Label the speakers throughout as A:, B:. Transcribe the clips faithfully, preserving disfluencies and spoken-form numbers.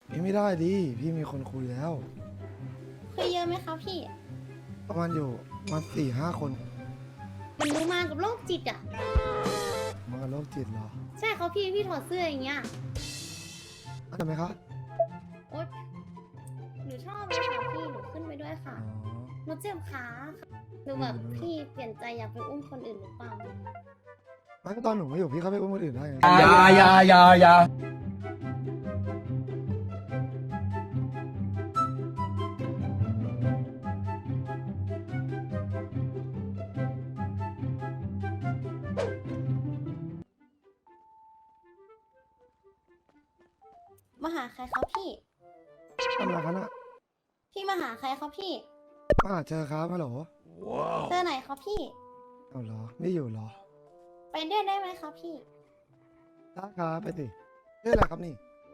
A: พี่ไม่ได้ดิพี่มีคนคุยแล้ว
B: คุยเยอะไหมคะพี่
A: ประมาณอยู่ประมาสี่ห้าคน
B: มันรู้มากับโรคจิตอ่ะ
A: มากับโรคจิตเหรอ
B: ใช่เขาพี่พี่ถอดเสื้ออย่างเงี้ย
A: เข้าใจไหมครับ
B: โอ๊ยหนูชอบเลยค่ะพี่หนูขึ้นไปด้วยค่ะ
A: อ๋อ
B: หนูเจ็บขาหนูแบบพี่เปลี่ยนใจอยากไปอุ้มคนอื่นหรือเปล่า
A: ไม่ก็ตอนหนูไม่อยู่พี่เขาไปอุ้มคนอื่นได้ไง
C: อย่าอย่าอย่าอย่า
B: มาหาใครครับพี่
A: ทำอะไรกันอะ
B: พี่มาหาใครครับพี่
A: มาหาเจอครับฮัลโหล
B: เจอไหนครับพี่
A: เอาเหรอไม่อยู่เหรอ
B: ไปด้วยได้ไหมครับพี่
A: ได้ครับไปสิชื่ออะไรครับนี่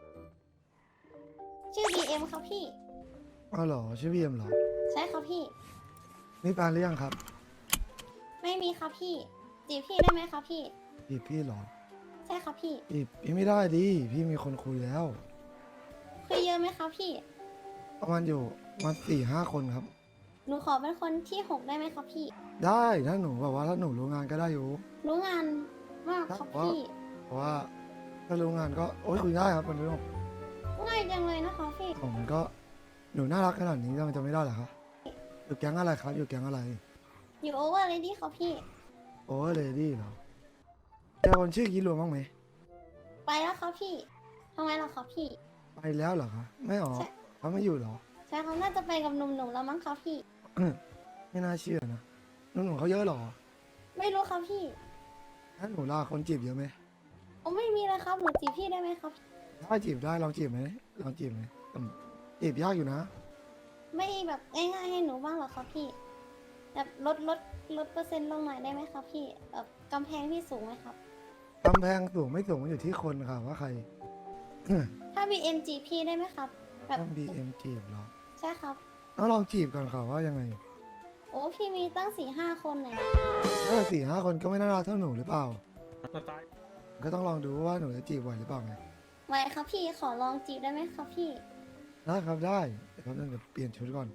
B: ชื่อ บี เอ็ม ครับพี่
A: เอาเหรอชื่อพี่เอ็มเหรอ
B: ใช่ครับพี่
A: มีแฟนหรือยังครับ
B: ไม่มีครับพี่จีบพี่ได้ไหมครับพี่
A: จีบพี่เหรอ
B: ใช่ครับพี่
A: จีบพี่ไม่ได้ดิพี่มีคนคุยแล้ว
B: คุยเยอะไหมครับพี่
A: ประมาณอยู่ประมาณสี่ห้าคนครับ
B: หนูขอเป็นคนที่หกได้ไหมครับพี่
A: ได้ถ้าหนูแบบว่าถ้าหนูรู้งานก็ได้อยู่
B: รู้งานมากครับพี่
A: เพราะว่าถ้ารู้งานก็โอ๊ยคุยได้ครับมันเรื่อง
B: ง่ายจังเลยนะคะพี่
A: ผมมันก็หนูน่ารักขนาดนี้มันจะไม่ได้เหรอครับอยู่แก๊งอะไรครับอยู่แก๊งอะไร
B: อยู่โอเวอร์เลยดี้ครับพี่
A: โอ้เลดี้เหรอเจอคนชื่อคิดรวมบ้างไหม
B: ไปแล้วครับพี่ทำไมล่ะครับพี่
A: ไปแล้วเหรอคะไม่ออกเขาไม่อยู่เหรอ
B: ใช่เขาน่าจะไปกับหนุ่มๆแล้วมั้งครับพี่
A: ไม่น่าเชื่อนะนุ่นของเขาเยอะเหรอ
B: ไม่รู้ครับพี่
A: ถ้าหนูลาคนจีบเยอะไหม
B: โอ้ไม่มีเลยครับหนูจีบพี่ได้ไหมครับ
A: ถ้าจีบได้ลองจีบไหมลองจีบไหมจีบยากอยู่นะ
B: ไม่แบบง่ายๆให้หนูบ้างหรอครับพี่แบบลดลดลดเปอร์เซ็นต์ลงหน่อยได้ไหมครับพี่แบบกำแพงพี่สูงไหมครับ
A: กำแพงสูงไม่สูงมันอยู่ที่คนค่ะว่าใคร
B: ถ้า บี เอ็ม จีบพี่ได้ไหมครับแบบ
A: ต้อง บี เอ็ม จีบเหรอ
B: ใช่ครับ
A: ต้องลองจีบก่อนค่ะว่ายังไง
B: โอ้พี่มีตั้งสี่ห้าคนเลย
A: ถ้าสี่ห้าคนก็ไม่น่ารักเท่าหนูหรือเปล่าก็ต้องลองดูว่าหนูจะจีบไหวหรือเปล่าไง
B: ไหวครับพี่ขอลองจีบได้ไหมครับพี่
A: ได้ครับได้เดี๋ยวเราจะเปลี่ยนชุดก่อน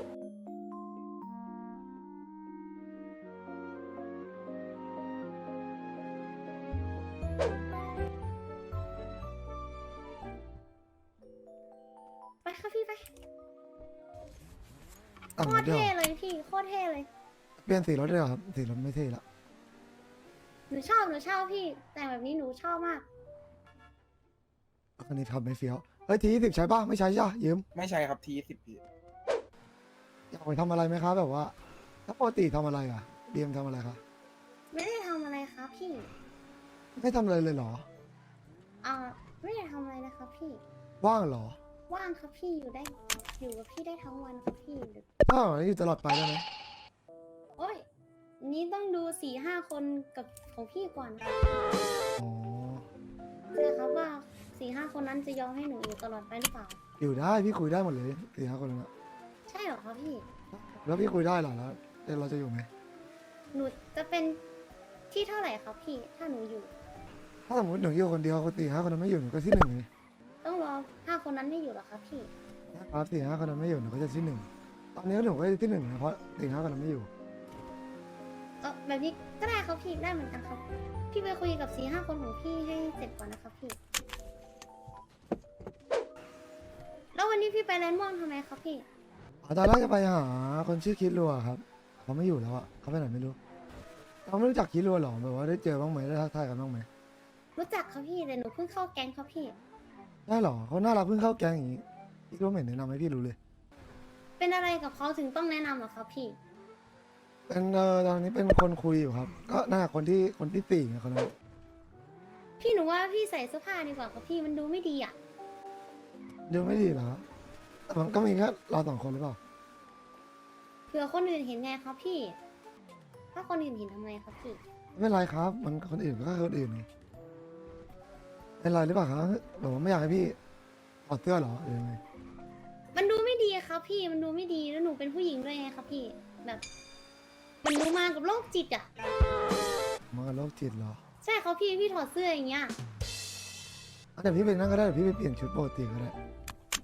B: ไปครับพี่ไป
A: โค
B: ตรเท่เลยพี่โคตรเท่เลย
A: เปลี่ยนสีรถได้เหรอครับสีรถไม่เท่ละ
B: หนูชอบหนูชอบพี่แต่งแบบนี้หนูชอบมาก
A: อันนี้ทำไม่เฟี้ยวเฮ้ยทีสิบใช้ป่ะไม่ใช้จ้ะยืม
C: ไม่ใช่ครับทีสิบพี่
A: อยากไปทำอะไรไหมครับแบบว่าถ้าปกติทำอะไรอ่ะเบียมทำอะไรคะ
B: ไม่ได้ทำอะไรครับพี่
A: ไม่ทำอะไรเลยเหรอ
B: อ่าไม่ได้ทำอะไรนะครับพี่
A: ว่างเหรอ
B: ว่างครับพี่อยู่ได้อยู่กับพี่ได้ทั้งวันครับพี่
A: อ้าวอยู่ตลอดไปได้ไหม
B: โอ้ยนี้ต้องดูสี่ห้าคนกับของพี่ก่อน
A: อ๋อ
B: ใช่ครับว่าสี่ห้าคนนั้นจะยอมให้หนูอยู่ตลอดไปหรือเปล่า
A: อยู่ได้พี่คุยได้หมดเลยสี่ห้าคนนั้น
B: ใช่เหรอครับพี่
A: แล้วพี่คุยได้เหรอแล้วเราจะอยู่ไหม
B: หนูจะเป็นที่เท่าไหร่ครับพี่ถ้าหนูอยู่
A: ถ้าสมมติหนูอยู่คนเดียวคนสี่ห้าคนนั้นไม่อยู่หนูก็ที่หนึ่งเลย
B: ต้องรอห้าคนนั้นไม่อยู่หรอครับพี่
A: ครับสี่ห้าคนนั้นไม่อยู่หนูก็จะที่หนึ่งตอนนี้หนูก็ที่หนึ่งนะเพราะสี่ห้าคนนั้นไม่อยู่
B: เออแบบนี้ก็ได้ครับพี่ได้เหมือนกันครับพี่ไปคุยกับสี่ห้าคนของพี่ให้เสร็จก่อนนะครับพี่แล้ววันนี้พี่ไปแลนด์ม่วงทำไมครับพี่
A: ตอนแรกจะไปหาคนชื่อคิดรัวครับเขาไม่อยู่แล้วอะเขาไปไหนไม่รู้เราไม่รู้จักคิดรัวหรอแบบว่าได้เจอบ้างไหมได้ทักทายกันบ้างไหม
B: รู้จักครับพี่แต่หนูเพิ่งเข้าแก๊งครับพี่
A: ได้หรอเขาน่ารักเพิ่งเข้าแก๊งอย่างนี้พี่ก็ไม่เห็นแนะนำให้พี่รู้เลย
B: เป็นอะไรกับเขาถึงต้องแนะนำหรอครับพี่
A: เป็นเออตอนนี้เป็นคนคุยอยู่ครับก็น่าคนที่คนที่สี่ไงคนนั้น
B: พี่หนูว่าพี่ใส่เสื้อผ้าดีกว่าครับพี่มันดูไม่ดีอ่ะ
A: ดูไม่ดีเหรอแต่มันก็มีแค่เราสองคนหรือเปล่า
B: เผื่อคนอื่นเห็นไงครับพี่ถ้าคนอื่นเห็นทำไงครับพี่
A: ไม่เป็นไรครับมันคนอื่นก็คนอื่นไงเป็นไรหรือเปล่าครับบอกว่าไม่อยากให้พี่ถอดเสื้อหรอหรือไง
B: มันดูไม่ดีครับพี่มันดูไม่ดีแล้วหนูเป็นผู้หญิงด้วยไงครับพี่แบบมันดูมากับโรคจิตอ่ะ
A: มากับโรคจิตเหรอ
B: ใช่ครับพี่พี่ถอดเสื้ออย่างเงี้ย
A: เดี๋ยวพี่ไปนั่งก็ได้เดี๋ยวพี่ไปเปลี่ยนชุดปกติก็ได้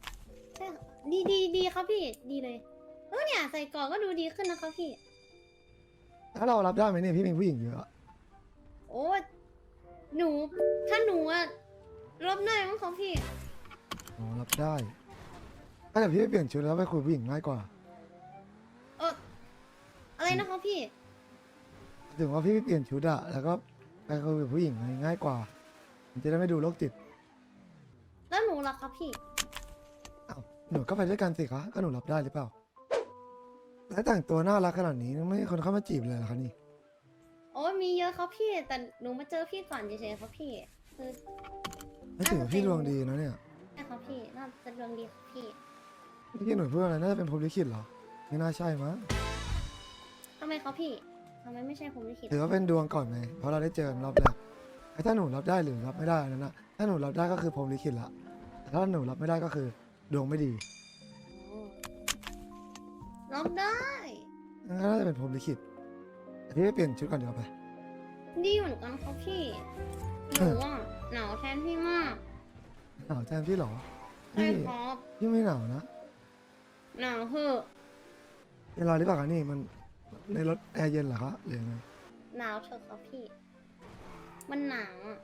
B: ดีดีดีครับพี่ดีเลยเออเนี่ยใส่ก่อนก็ดูดีขึ้นนะครับพี่
A: ถ้าเรารับได้ไหมเนี่ยพี่มีผู้หญิงเยอะอะ
B: โอ้หนูถ้าหนูอะรับได้มั้งครับพี่
A: อ๋อรับได้ถ้าแต่พี่ไปเปลี่ยนชุดแล้วไปคุยผู้หญิงง่ายกว่า
B: เอออะไรนะครับพี่
A: ถึงว่าพี่ไปเปลี่ยนชุดอะแล้วก็ไปคุยกับผู้หญิงง่ายกว่ามันจะได้ไม่ดูโรคจิต
B: แล้วหนูล่ะครับพี่
A: อ้าวหนูก็ไปด้วยกันสิคะก็หนูรับได้หรือเปล่าแล้วแต่งตัวน่ารักขนาดนี้ไม่มีคนเข้ามาจีบเลยเหรอคะนี่
B: โอ้มีเยอะครับพี่ แต่หนูมาเจอพี่ก่อนเฉยๆครับพี่คือ
A: ไม่ถือว่าพี่ดวงดีนะเนี่ย
B: ใช่ครับพี่น่าจะดวงดีครับพี่
A: เมื่อกี้หนูพูดอะไรน่าจะเป็นพรหมลิขิตเหรอไม่น่าใช่มั้ง
B: ทำไมครับพี่ทำไมไม่ใช่ผมลิขิต
A: ถือว่าเป็นดวงก่อนไงเพราะเราได้เจอกันรอบแรกไอ้ถ้าหนูรับได้หรือรับไม่ได้อันนั้นนะถ้าหนูรับได้ก็คือพรหมลิขิตละแต่ถ้าหนูรับไม่ได้ก็คือดวงไม่ดี
B: โอ้รับได้
A: งั้นก็น่าจะเป็นพรหมลิขิตแต่พี่ไปเปลี่ยนชุดก่อนเดี๋ยวาไป
B: ดีเหมือนกันครับพี่หนูอ่ะหนาวแทนพี่มาก
A: หนาวแทนพี่เหรอ
B: ใช่
A: พี่
B: ครับ
A: พี่ไม่หนาวนะ
B: หนาวเหอะ
A: เป็นไรหรือเปล่าคะนี่มันในรถแอร์เย็นเหรอคะหรือยังไง
B: หนาวเถอะครับพี่ มันหนาวอ่ะ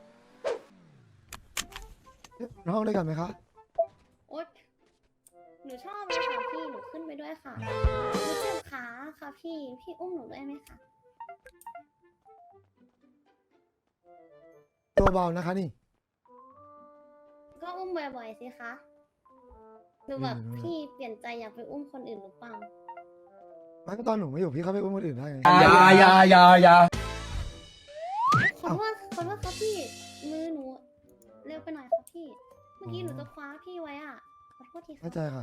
A: เอ๊ะนอนห้องด้วยกันไหมคะ
B: โอ๊ยหนูชอบเลยค่ะพี่ หนูขึ้นไปด้วยค่ะหนูเจ็บขาค่ะพี่ พี่อุ้มหนูได้ไหมคะ
A: ตัวเบานะคะนี่
B: ก็อุ้มบ่อยๆสิคะหรือแบบ
A: อืม
B: พี่เปลี่ยนใจอยากไปอุ้มคนอื่นหรือเปล่า
A: ไม่ก็ตอนหนูไม่อยู่พี่เขาไปอุ้มคนอื่นได้ไง
C: อยาอยาอยาอยา
B: ขอโทษขอโทษครับพี่ มือหนู เร็วไปหน่อยครับพี่ เมื่อกี้หนูจะคว้าพี่ไว้อ่ะ ขอโทษทีครั
A: เข้า
B: บ
A: ใจค่ะ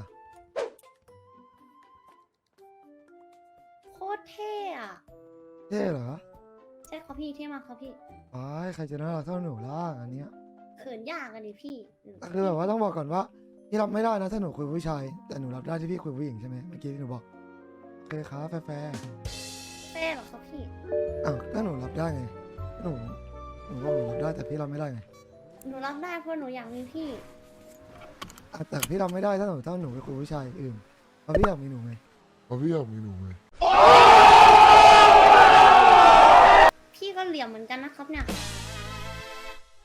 B: โคตรเท่อะ
A: เท่เหรอ
B: ใช่ครับพี่เท่มากครับพี่
A: ไอ้ายใครจะน่ารักเท่าหนูล่ะอันเนี้ย
B: เขินยากอะดิพี่หนู
A: แต่คือแบบว่าต้องบอกก่อนว่าพี่รับไม่ได้นะถ้าหนูคุยผู้ชาย แต่หนูรับได้ที่พี่คุยผู้หญิงใช่ไหมเมื่อกี้ที่หนูบอกโอเคครับแฟร์
B: เท่เหรอครับพี่
A: ๆอ้าวถ้าหนูรับได้ไงหนูหนูบอกหนูรับได้แต่พี่รับไม่ได้ไง
B: หนูรับได้เพราะหนูอยากมีพี่
A: อ่ะแต่พี่รับไม่ได้ถ้าหนูถ้าหนูไปคุยผู้ชายอื่นเพราะพี่อยากมีหนูไง
D: เพราะพี่อยากมีหนูไง
B: พี่ก็เหลี่ยมเหมือนกันนะครับเนี่ย